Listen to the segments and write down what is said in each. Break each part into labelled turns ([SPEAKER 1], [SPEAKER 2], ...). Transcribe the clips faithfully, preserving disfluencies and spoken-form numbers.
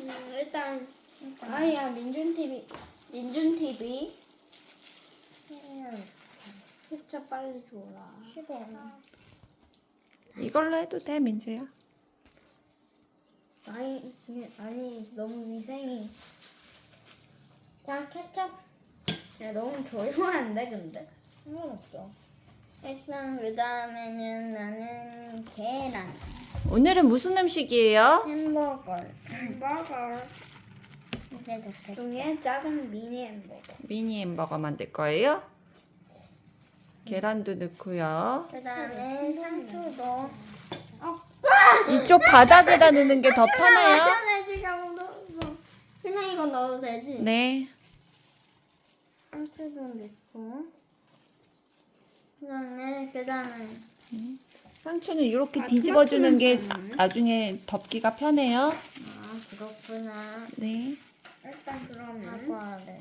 [SPEAKER 1] 음, 일단 아야 민준 티비 민준 티비 진짜 빨리 줘라.
[SPEAKER 2] 싫어.
[SPEAKER 3] 이걸로 해도 돼, 민재야.
[SPEAKER 1] 아니 아니 너무 위생이.
[SPEAKER 2] 자, 케첩.
[SPEAKER 1] 야 너무 조용한데 근데.
[SPEAKER 2] 상관없어. 일단 그 다음에는 나는 계란,
[SPEAKER 3] 오늘은 무슨 음식이에요?
[SPEAKER 2] 햄버거.
[SPEAKER 1] 햄버거
[SPEAKER 2] 이게 좋겠다.
[SPEAKER 1] 중에 작은 미니 햄버거.
[SPEAKER 3] 미니 햄버거 만들 거예요? 계란도 넣고요.
[SPEAKER 2] 그 다음에 상추도. 어,
[SPEAKER 3] 이쪽 바닥에다 넣는 게 더 편해요?
[SPEAKER 2] 마요네즈가 묻었어. 그냥 이거 넣어도 되지?
[SPEAKER 3] 네.
[SPEAKER 2] 상추도 넣고. 그 다음에 계란은.
[SPEAKER 3] 상추는 이렇게
[SPEAKER 1] 아,
[SPEAKER 3] 뒤집어주는 게
[SPEAKER 1] 토마토는
[SPEAKER 3] 나중에 덮기가 편해요.
[SPEAKER 2] 아, 그렇구나.
[SPEAKER 3] 네.
[SPEAKER 1] 일단 그러면
[SPEAKER 2] 사과를.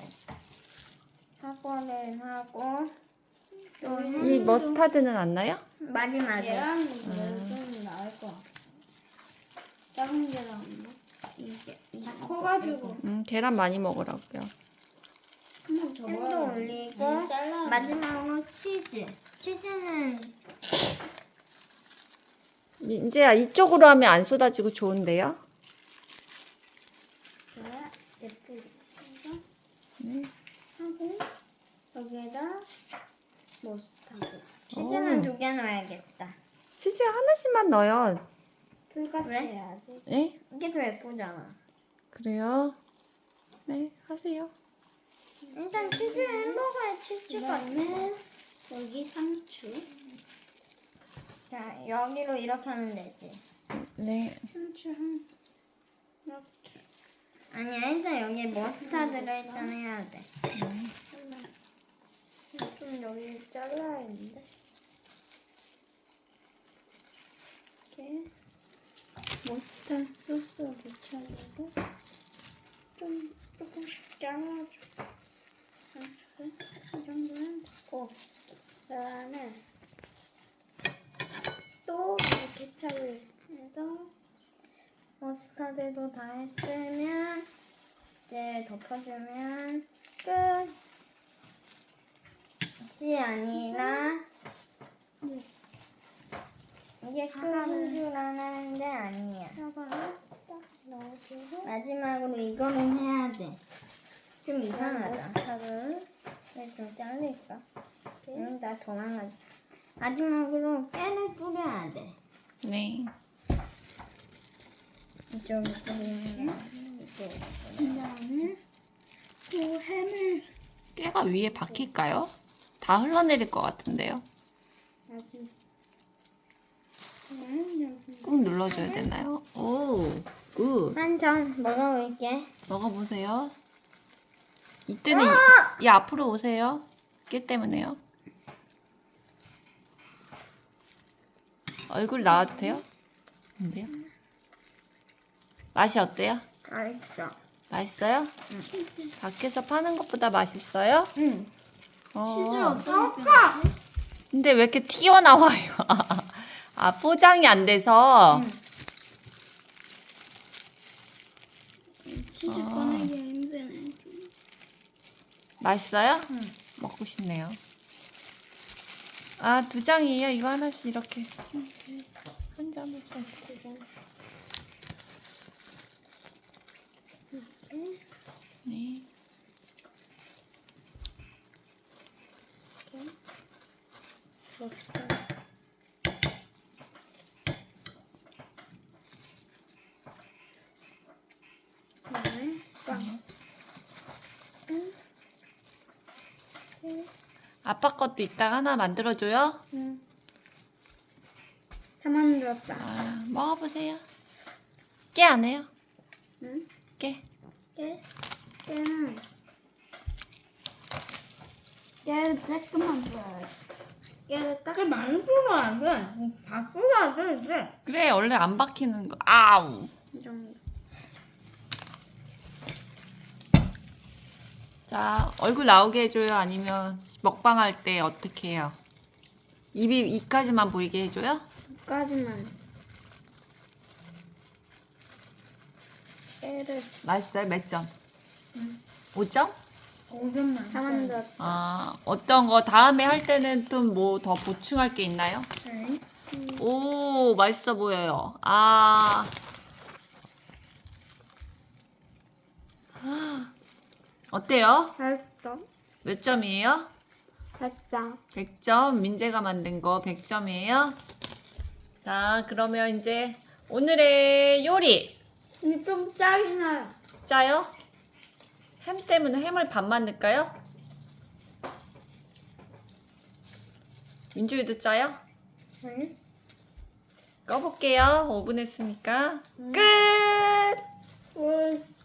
[SPEAKER 2] 사과를 하고. 또
[SPEAKER 3] 이 머스타드는 안 나요?
[SPEAKER 2] 마지막에.
[SPEAKER 1] 계란이 좀 나을 것 같아. 작은 계란 이게 다 커가지고
[SPEAKER 3] 음, 계란 많이 먹으라고요.
[SPEAKER 1] 한번 접어야
[SPEAKER 2] 햄도
[SPEAKER 1] 돼.
[SPEAKER 2] 올리고
[SPEAKER 1] 음, 잘라야 돼.
[SPEAKER 2] 마지막으로 치즈. 치즈는
[SPEAKER 3] 민재야, 이쪽으로 하면 안 쏟아지고 좋은데요?
[SPEAKER 1] 그래 예쁘게 해서
[SPEAKER 3] 네.
[SPEAKER 1] 하고 여기에다 머스타드
[SPEAKER 2] 치즈는
[SPEAKER 3] 오.
[SPEAKER 2] 두 개 넣어야겠다.
[SPEAKER 3] 치즈 하나씩만 넣어요.
[SPEAKER 1] 불같이
[SPEAKER 2] 왜?
[SPEAKER 1] 해야 돼.
[SPEAKER 3] 네?
[SPEAKER 2] 이게 더 예쁘잖아.
[SPEAKER 3] 그래요? 네, 하세요.
[SPEAKER 2] 일단 치즈 햄버거에 치즈가.
[SPEAKER 1] 그다음에 여기 상추
[SPEAKER 2] 자, 여기로 이렇게 하면 되지.
[SPEAKER 3] 네.
[SPEAKER 1] 상추 한 이렇게
[SPEAKER 2] 아니야, 일단 여기에 머스타드를 일단 해야 돼.
[SPEAKER 1] 좀 여기 잘라야 했는데 이렇게 머스타드 소스 묻혀주고 좀 조금씩 잘라줘. 상추를 이 정도는 됐고 그다음에 또 케첩을 해서
[SPEAKER 2] 머스타드도 다 했으면 이제 덮어주면 끝. 이 아니라 이게 끝인 줄 알았는데 아니야.
[SPEAKER 1] 사과를 딱 넣어주고
[SPEAKER 2] 마지막으로 이거는 해야 돼. 좀 이상하다.
[SPEAKER 1] 머스타드를
[SPEAKER 2] 이거 좀 잘릴까? 응, 나 도망가자. 마지막으로 깨를 뿌려야 돼.
[SPEAKER 3] 네.
[SPEAKER 2] 이쪽에 뿌리는 게
[SPEAKER 1] 그다음에 또 햄을
[SPEAKER 3] 깨가 위에 박힐까요? 다 흘러내릴 것 같은데요.
[SPEAKER 1] 아직 햄 여기
[SPEAKER 3] 꾹 눌러줘야 되나요? 오, 굿.
[SPEAKER 2] 한전 먹어볼게.
[SPEAKER 3] 먹어보세요. 이때는 이, 이 앞으로 오세요. 깨 때문에요. 얼굴 나와도 돼요? 안 돼요? 맛이 어때요?
[SPEAKER 2] 맛있어.
[SPEAKER 3] 맛있어요? 밖에서 파는 것보다 맛있어요?
[SPEAKER 2] 응.
[SPEAKER 3] 어.
[SPEAKER 1] 치즈 어떻게 빼지?
[SPEAKER 3] 근데 왜 이렇게 튀어나와요? 아, 포장이 안 돼서.
[SPEAKER 1] 치즈
[SPEAKER 3] 아.
[SPEAKER 1] 꺼내기 힘드네.
[SPEAKER 3] 맛있어요? 먹고 싶네요. 아, 두 장이에요. 이거 하나씩 이렇게. 한 장을 써. 네.
[SPEAKER 1] 머스타드. 그다음에 빵.
[SPEAKER 3] 아빠 것도 이따가 하나 만들어줘요?
[SPEAKER 1] 응. 다 만들었다.
[SPEAKER 3] 아, 먹어보세요. 깨 안 해요?
[SPEAKER 1] 응?
[SPEAKER 3] 깨.
[SPEAKER 1] 깨? 깨는 깨를 조금만 줘야 돼. 깨를 딱.
[SPEAKER 2] 깨 많이 뿌려야 돼. 다 뿌려야 돼, 이제.
[SPEAKER 3] 그래, 원래 안 박히는 거. 아우.
[SPEAKER 1] 이 정도.
[SPEAKER 3] 자, 얼굴 나오게 해줘요? 아니면 먹방 할 때 어떻게 해요? 입이, 입까지만 보이게 해줘요?
[SPEAKER 1] 까지만.
[SPEAKER 2] 깨를
[SPEAKER 3] 맛있어요? 몇 점? 오 점?
[SPEAKER 1] 오 점만.
[SPEAKER 2] 다 만들었다.
[SPEAKER 3] 아, 어떤 거 다음에 할 때는 또 뭐 더 보충할 게 있나요?
[SPEAKER 1] 네.
[SPEAKER 3] 오, 맛있어 보여요. 아. 어때요?
[SPEAKER 2] 맛있어.
[SPEAKER 3] 몇 점이에요?
[SPEAKER 2] 맛있어.
[SPEAKER 3] 백 점. 민재가 만든 거 백 점이에요. 자, 그러면 이제 오늘의 요리.
[SPEAKER 1] 근데 좀 짜긴 나요.
[SPEAKER 3] 짜요? 햄 때문에 햄을 반만 넣을까요? 민주이도 짜요?
[SPEAKER 2] 응?
[SPEAKER 3] 꺼볼게요. 오 분 했으니까. 끝!
[SPEAKER 2] 응.